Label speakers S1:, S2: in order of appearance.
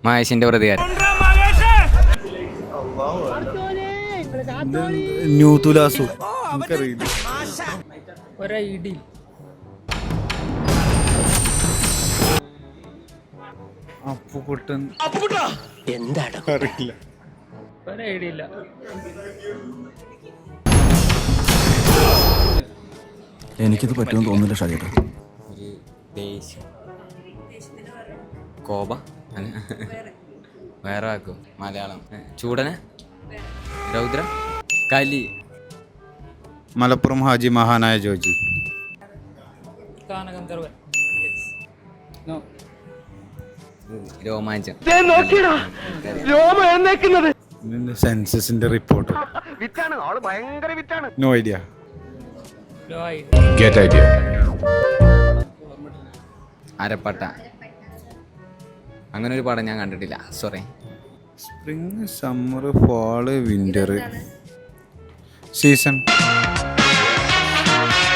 S1: മഹേഷിന്റെ പ്രതികാരം.
S2: ന്യൂ തുലാസു നമുക്കറിയില്ല.
S3: ഒരൈഡി
S2: അപ്പുകുട്ടൻ
S4: എന്താണ്
S2: അറിയില്ല.
S3: ഒരൈഡി ഇല്ല.
S5: എനിക്കിത് പറ്റുമെന്ന് തോന്നുന്നില്ല ഷാജേട്ടാ.
S1: ഒരു ദേഷ്യം, കോപ, വേറെ വാക്കും മലയാളം. ചൂടന, രൗദ്രം, കലി.
S2: മലപ്പുറം ഹാജി മഹാനായ ജോജി.
S3: ഗാനഗന്ധർവൻ.
S1: രോമാഞ്ചം.
S2: സെൻസസിന്റെ റിപ്പോർട്ട്. No idea.
S1: അരപ്പട്ട. അങ്ങനെ ഒരു പടം ഞാൻ കണ്ടിട്ടില്ല, sorry.
S2: Spring, summer, fall, winter, season.